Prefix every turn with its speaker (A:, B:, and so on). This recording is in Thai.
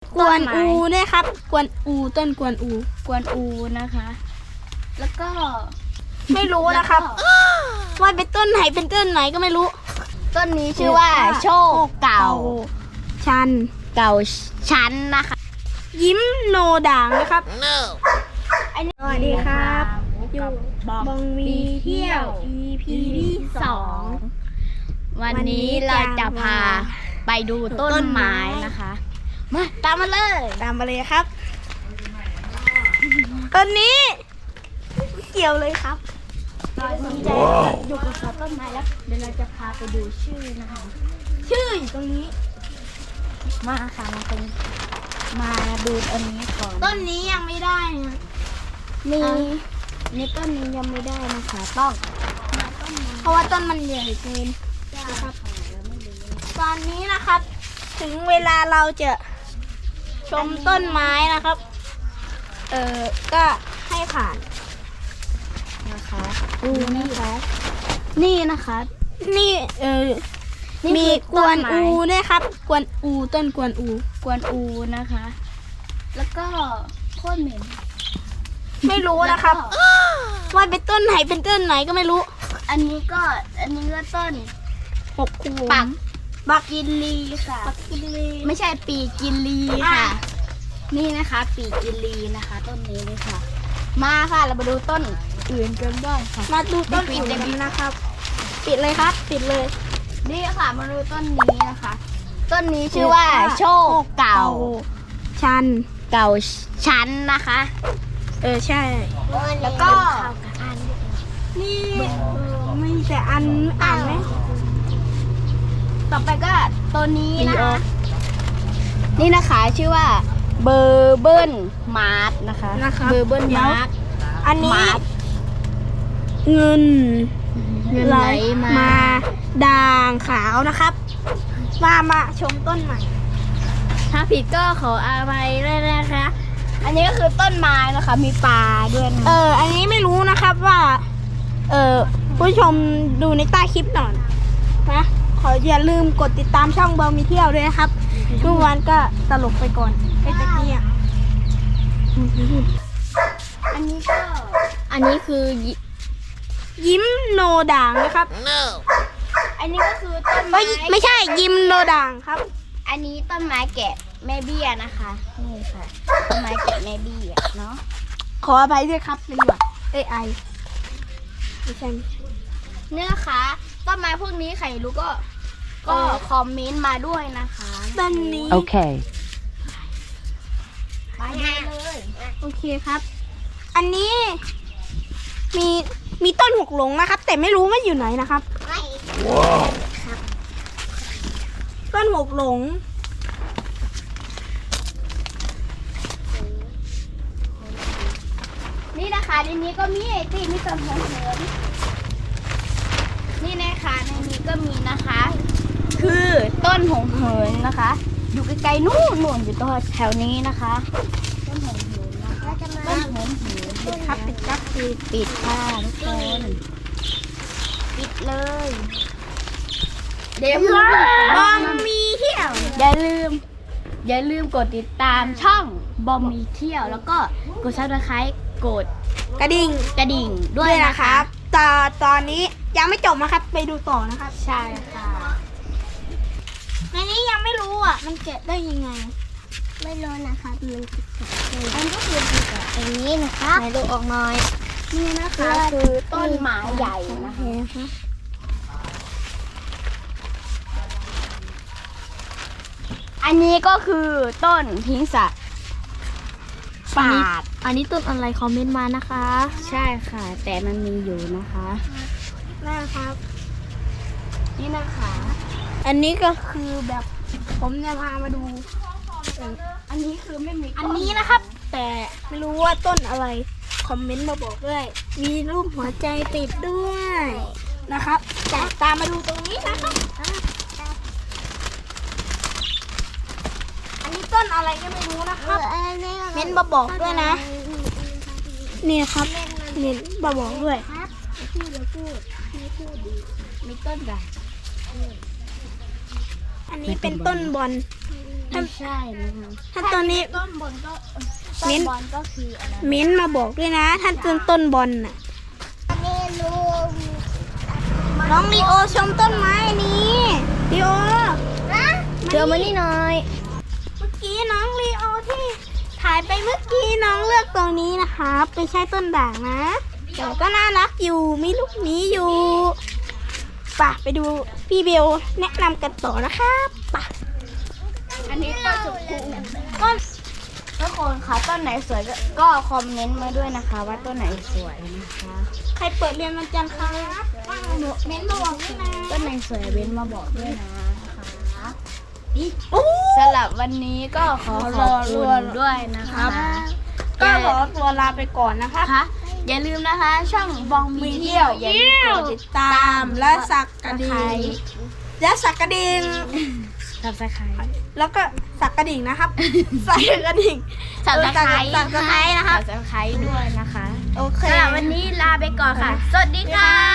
A: กวนอูด้วยครับกวนอูต้นกวนอู
B: กวนอูนะคะ แล้วก็
A: ไม่รู้นะครับว่าเป็นต้นไหนเป็นต้นไหนก็ไม่รู้
B: ต้นนี้ชื่อว่าโชคเก่า
A: ชัน
B: เก่าชั้นนะคะ
A: ยิ้มโนด่างนะครับสวัสดีครับอยู่บองมีเที่ยว EP ที่2
B: วันนี้เราจะพาไปดูต้นไม้นะคะมาตามมาเลย
A: ตามมาเลยครับต้นนี้เกี่ยวเลยครับ
B: ตอนนี้จะอยู่กับต้นไม้แล้วเดี๋ยวเราจะพาไปดูชื่อนะคะ
A: ชื่ออยู่ตรงนี้
B: มาค่ะมาดูอันนี้ก่อน
A: ต้นนี้ยังไม่ได้นะ
B: นี่ต้นนี้ยังไม่ได้นะคะต้อง
A: เพราะว่าต้นมันใหญ่เกินนะครับตอนนี้นะครับ ถึงเวลาเราจะชมต้นไม้นะครับก็ให้ผ่าน
B: นะคะดูนะคะนี่นะคะ
A: นี่
B: นี่
A: มี
B: คือก
A: วน
B: ต้นไม้
A: อูด้วยครับกวนอูต้นกวนอู
B: กวนอูนะคะ แล้วก็โคตรเหม็น
A: ไม่รู้นะครับ ว่าเป็นต้นไหนเป็นต้นไหนก็ไม่รู้
B: อันนี้ก็ต้น
A: หกคู
B: ปักกินลีค่ะ
A: ปักกินลี
B: ไม่ใช่ปีกินลีค่ะ นี่นะคะ ปีกินลีนะคะ ต้นนี้เลยค่ะ มาค่ะเรามาดูต้นอื่นกันบ้างค่ะ
A: มาดูต้นอื่นกันนะครับ ปิดเลยครับ ปิดเลย
B: นี่ค่ะมาดูต้นนี้นะคะ ต้นนี้ชื่อว่าโชคเก่า
A: ชัน
B: เก่าชั้นนะคะ
A: ใช่
B: แล้วก็
A: นี่ไม่แต่อันอ่านไหม
B: ต่อไปก็ตัวนี้นะคะ นี่นะคะชื่อว่าเบอร์เบิลมาร์ทนะคะ เบอร์เบิลมาร์ท
A: อันนี้
B: มาร์ท
A: เงิน
B: ไหลมา
A: ด่างขาวนะครับมาชมต้นใหม่
B: ถ้าผิดก็ขออภัยด้วยนะคะ อันนี้ก็คือต้นไม้นะคะ มีปลาด้วยนะ
A: อันนี้ไม่รู้นะครับว่าผู้ชมดูในใต้คลิปหน่อยนะขออย่าลืมกดติดตามช่องเบลมีเที่ยวด้วยนะครับเมื่อวานก็ตลกไปก่อนไอ้ตะกี้อ่ะ
B: อันนี้คือ
A: ยิ้มโนด่างนะครับ
B: อันนี้ก็คือต้น
A: เอ้
B: ไม้
A: ยไม่ใช่ยิ้มโนด่างครับ
B: อันนี้ต้นไม้แกะแม่เบี้ยนะคะ นี่ค่ะ ต้นไม้แกะแม่เบี้ยเนาะ
A: ขออภัยด้วยครับเป็นหวัดไอไม่ใช่
B: เนี่ยนะคะต้นไม้พวกนี้ใครรู้ก็คอมเมนต์มาด้วยนะคะ
A: ต้นนี้
C: Okay.
B: ไปได้เลย
A: โอเคครับ อันนี้มีต้นหกหลงนะครับ แต่ไม่รู้ว่าอยู่ไหนนะครับ ต้นหกหลง
B: นี่นะคะในนี้ก็มีไอติมมีต้นหอมเหินนี่นะคะในนี้ก็มีนะคะ คือต้นหงเหินนะคะ อยู่ไกลๆนู่นอยู่ตรงแถวนี้นะคะ ต้นหงเหินนะคะต้นหงเหิน
A: ครับปิดครับ
B: ปิดค่ะทุกคนปิดเลยเดี๋ยว
A: บองมีเที่ยว
B: อย่าลืมกดติดตามช่องบอมมีเที่ยวแล้วก็กดซับสไครต์กด
A: กระดิ่ง
B: กระดิ่งด้วยนะ
A: นะคะ ครับตอนนี้ยังไม่จบนะครับ ไปดูต่อนะครับ
B: ใช่ค่ะ
A: ในนี้ยังไม่รู้อ่ะ มันแกะได้ยังไง
B: ไม่รู้นะคะมันอันก็คืออย่างนี้นะคะไหนดูออกหน่อยนี่นะคะคือต้นไม้ใหญ่นะคะอันนี้ก็คือต้นพิงสะปาด
A: อันนี้ต้นอะไรคอมเมนต์มานะคะ
B: ใช่ค่ะ แต่มันมีอยู่นะคะ
A: นะครับ
B: นี่นะคะ
A: อันนี้ก็คือแบบผมจะพามาดู
B: อันนี้คือไม่มี
A: อันนี้นะครับ แต่ไม่รู้ว่าต้นอะไรคอมเมนต์มาบอกด้วย มีรูปหัวใจติดด้วยนะครับแต่ตามมาดูตรงนี้นะครับอันนี้ต้นอะไรก็ไม่รู้นะครับเม้นมาบอกด้วยนะนี่ครับเม้นมาบอกด้วย
B: มีต้นใหญ่
A: อันนี้เป็นต้นบอล
B: ไม่ใช่นะคะ
A: ถ้าต้นนี้
B: ต้นบนก็
A: มิ้
B: ต้น
A: น
B: บอลก็คืออะไร
A: มิ้นท์มาบอกด้วยนะถ้าต้นบอลน่ะ
B: ไม่รู้
A: น้องลีโอชมต้นไม้นี้ลีโอ
B: เดี๋ยวมานี่หน่อย
A: เมื่อกี้น้องลีโอที่ถ่ายไปเมื่อกี้น้องเลือกตรงนี้นะครับไม่ใช่ต้นด่างนะแต่ก็น่ารักอยู่มีลูกหมีอยู่ป่ะไปดูพี่เบลแนะนำกันต่อนะครับป่ะ
B: อันนี้ต้นสุกุ
A: ต้น
B: ทุกคนคะต้นไหนสวยก็คอมเมนต์มาด้วยนะคะ ว่าต้นไหนสวยนะคะ
A: ใครเปิดเรียนวันจันทร์ครับเม้นต์มาบอกด้วยนะ
B: ต้นไหนสวยเว้นมาบอกด้วยนะคะ
A: โอ้
B: สำหรับวันนี้ก็ขอขอบคุณด้วยนะคะ
A: ก็ขอตัวลาไปก่อนนะคะ
B: ค่ะอย่าลืมนะคะ ช่องบองมีเที่ยวอย่าลืมกด
A: ติดตามและสักกระดิ่งและสักกระดิ่ง
B: สับสไคร
A: แล้วก็สักกระดิ่งนะครับ สักกระดิ่ง
B: สับสไคร
A: สักกระดิ่งนะครับ
B: สับสไครด้วยนะคะ
A: โอเค
B: สำหรับวันนี้ลาไปก่อนค่ะ สวัสดีค่ะ